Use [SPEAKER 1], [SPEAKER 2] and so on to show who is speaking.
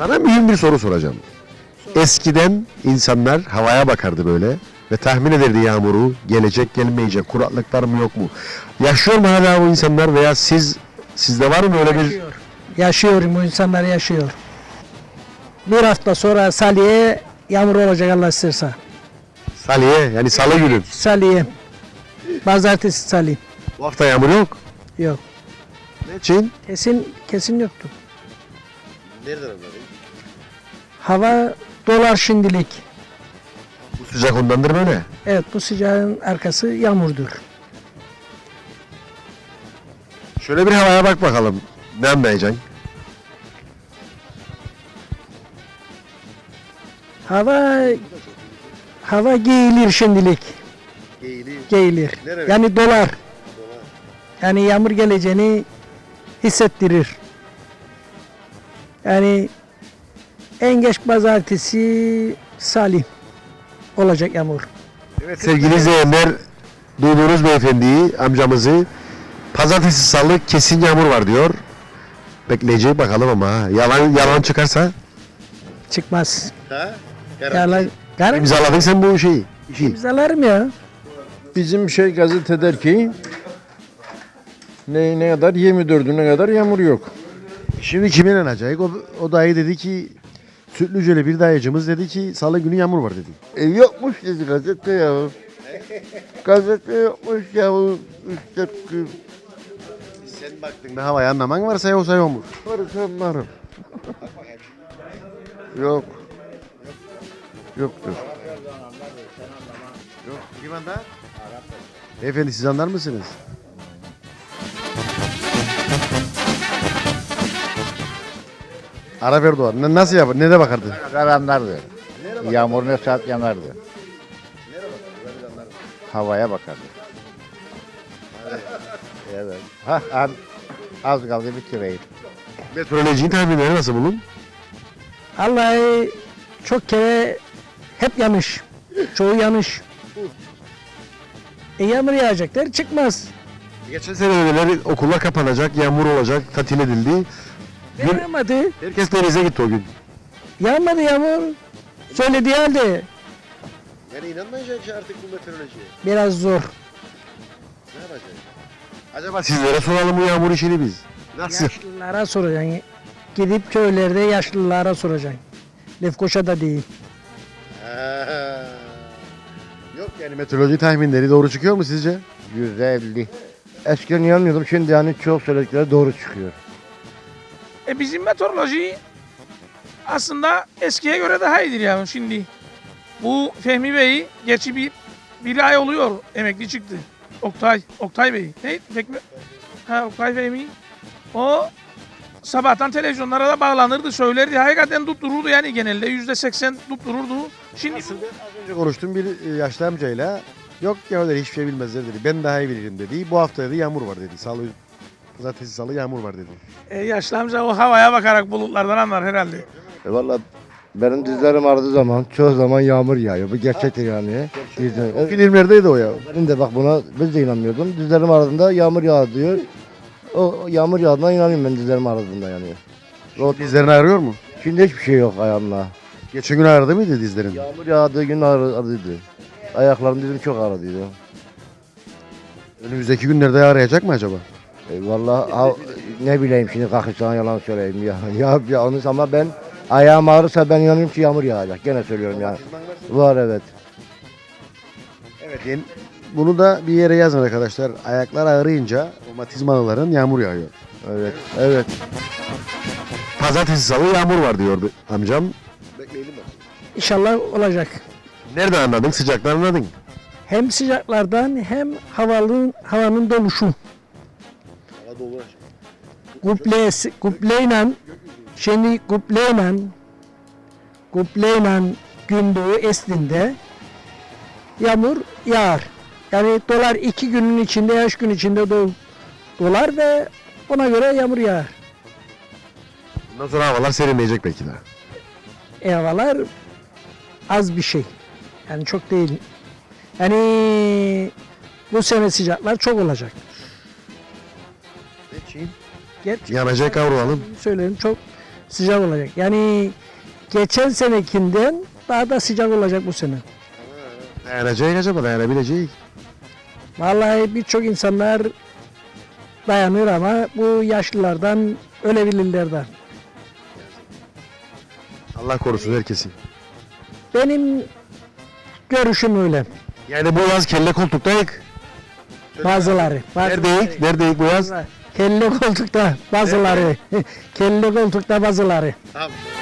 [SPEAKER 1] Sana mühim bir soru soracağım. Eskiden insanlar havaya bakardı böyle ve tahmin ederdi yağmuru, gelecek gelmeyecek, kuraklıklar mı yok mu? Yaşıyor mu hala o insanlar veya sizde var mı öyle bir...
[SPEAKER 2] Yaşıyor. Yaşıyorum, bu insanlar yaşıyor. Bir hafta sonra Salih'e yağmur olacak Allah isterse.
[SPEAKER 1] Salih'e yani salı günü.
[SPEAKER 2] Salih'e. Pazartesi Salih.
[SPEAKER 1] Bu hafta yağmur yok.
[SPEAKER 2] Yok.
[SPEAKER 1] Ne için?
[SPEAKER 2] Kesin yoktu.
[SPEAKER 1] Nereden anladın?
[SPEAKER 2] Hava dolar şimdilik.
[SPEAKER 1] Bu sıcak ondandır böyle.
[SPEAKER 2] Evet, bu sıcağın arkası yağmurdur.
[SPEAKER 1] Şöyle bir havaya bak bakalım. Ne anlayacaksın?
[SPEAKER 2] Hava giyilir şimdilik. Giyilir.
[SPEAKER 1] Nereye?
[SPEAKER 2] Yani dolar. Yani yağmur geleceğini hissettirir. Yani en geç pazartesi Salih olacak yağmur.
[SPEAKER 1] Evet sevgili izleyenler, duyduğunuz beyefendiyi, amcamızı pazartesi salı kesin yağmur var diyor. Bekleyeceğiz bakalım ama ha. Yalan çıkarsa
[SPEAKER 2] Çıkmaz.
[SPEAKER 1] ha?
[SPEAKER 2] Yalan.
[SPEAKER 1] İmzaladın sen bu şeyi. İşi.
[SPEAKER 2] İmzalarım ya.
[SPEAKER 3] Bizim gazete der ki ne kadar 24'üne kadar yağmur yok.
[SPEAKER 1] Şimdi kime inanacak? O dayı dedi ki Sütlüceli bir dayıcımız dedi ki salı günü yağmur var dedi.
[SPEAKER 3] Yokmuş dedi gazete ya. Gazete yokmuş ya. İşte
[SPEAKER 1] Sen baktın da havayı anlaman varsa yoksa yok mu?
[SPEAKER 3] varsa varım. Yok. Yoktur.
[SPEAKER 1] Yok. Kim anlar? Beyefendi siz anlar mısınız? Arap Erdoğan nasıl yapar? Nereye bakardı?
[SPEAKER 4] Anlardı. Yağmur ne saat yanardı. Havaya bakardı. Evet. Az kaldı bitireyim.
[SPEAKER 1] Meteorolojinin tahminleri nasıl bulun?
[SPEAKER 2] Vallahi çok kere hep yanlış. Çoğu yanlış. Yağmur yağacaklar çıkmaz.
[SPEAKER 1] Geçen sene öyleleri okullar kapanacak, yağmur olacak, tatil edildi.
[SPEAKER 2] Yağmadı.
[SPEAKER 1] Herkes denize gitti o gün.
[SPEAKER 2] Yağmadı yağmur. Söylediği halde
[SPEAKER 1] Yani inanmayacak ki artık bu meteorolojiye.
[SPEAKER 2] biraz zor.
[SPEAKER 1] Ne yapacak? Acaba sizlere soralım bu yağmur işini biz. Nasıl?
[SPEAKER 2] Yaşlılara soracaksın. Gidip köylerde yaşlılara soracaksın. Lefkoşa'da değil.
[SPEAKER 1] Yok yani meteoroloji tahminleri doğru çıkıyor mu sizce?
[SPEAKER 4] %50. Eskiden inanmıyordum. Şimdi yani çok söyledikleri doğru çıkıyor.
[SPEAKER 5] Bizim meteoroloji aslında eskiye göre daha iyidir yani şimdi. Bu Fehmi Bey geçi bir ay oluyor emekli çıktı. Oktay Bey. Ne? Oktay Fehmi. O sabahtan televizyonlara da bağlanırdı, söylerdi. Hakikaten tuttururdu yani genelde %80 tuttururdu. Şimdi
[SPEAKER 1] Aslında az önce konuştum bir yaşlı amcayla. Yok ya öyle hiçbir şey bilmezler dedi. Ben daha iyi bilirim dedi. Bu hafta dedi yağmur var dedi. Pazartesi salı yağmur var dedi.
[SPEAKER 5] yaşlı amca o havaya bakarak bulutlardan anlar herhalde.
[SPEAKER 4] Valla benim dizlerim ağrıdığı zaman çoğu zaman yağmur yağıyor. Bu gerçektir yani.
[SPEAKER 1] O filmlerdeydi o ya.
[SPEAKER 4] Benim de bak buna biz de inanmıyordum. Dizlerim ağrıdığında yağmur yağ diyor. O yağmur yağdığına inanıyorum ben dizlerim ağrıdığında yani.
[SPEAKER 1] Dizlerini ağrıyor mu?
[SPEAKER 4] Şimdi hiçbir şey yok ayağımda.
[SPEAKER 1] Geçen gün ağrıdı mıydı dizlerin?
[SPEAKER 4] Yağmur yağdığı gün ağrıdıydı. Ayaklarım dizim çok ağrıdıydı.
[SPEAKER 1] Önümüzdeki günlerde ağrıyacak mı acaba?
[SPEAKER 4] Vallahi ne bileyim şimdi kalkıp sana yalan söyleyeyim ya. Ya onu ama ben ayağım ağrırsa ben inanıyorum ki yağmur yağacak. Gene söylüyorum yani. Var evet.
[SPEAKER 1] Evet. Bunu da bir yere yazın arkadaşlar. Ayaklar ağrıyınca romatizmalıların yağmur yağıyor.
[SPEAKER 4] Evet.
[SPEAKER 1] Pazartesi salı yağmur var diyordu amcam. Bekleyelim mi?
[SPEAKER 2] İnşallah olacak.
[SPEAKER 1] Nereden anladın? Sıcaktan anladın.
[SPEAKER 2] Hem sıcaklardan hem havanın doluşu.
[SPEAKER 1] Hava dolu.
[SPEAKER 2] Kupleyle gündoğu esninde yağmur yağar. Yani dolar 2 günün içinde, yaş gün içinde dolar ve ona göre yağmur yağar.
[SPEAKER 1] Bundan sonra havalar serinleyecek belki de.
[SPEAKER 2] Havalar az bir şey. Yani çok değil. Yani bu sene sıcaklar çok olacak.
[SPEAKER 1] Geçeyim.
[SPEAKER 2] Gerçi
[SPEAKER 1] Yanacak kavrayalım.
[SPEAKER 2] söyleyeyim çok sıcak olacak. Yani geçen senekinden daha da sıcak olacak bu sene.
[SPEAKER 1] Dayanacak acaba, dayanabilecek.
[SPEAKER 2] Vallahi birçok insanlar dayanır ama bu yaşlılardan ölebilirlerden.
[SPEAKER 1] Allah korusun herkesi.
[SPEAKER 2] Benim görüşüm öyle.
[SPEAKER 1] Yani bu yaz kelle koltuktayık.
[SPEAKER 2] Bazıları.
[SPEAKER 1] Neredeyik? Neredeyik bu yaz?
[SPEAKER 2] Kelle koltukta bazıları. Kelle koltukta bazıları.
[SPEAKER 1] Tamam.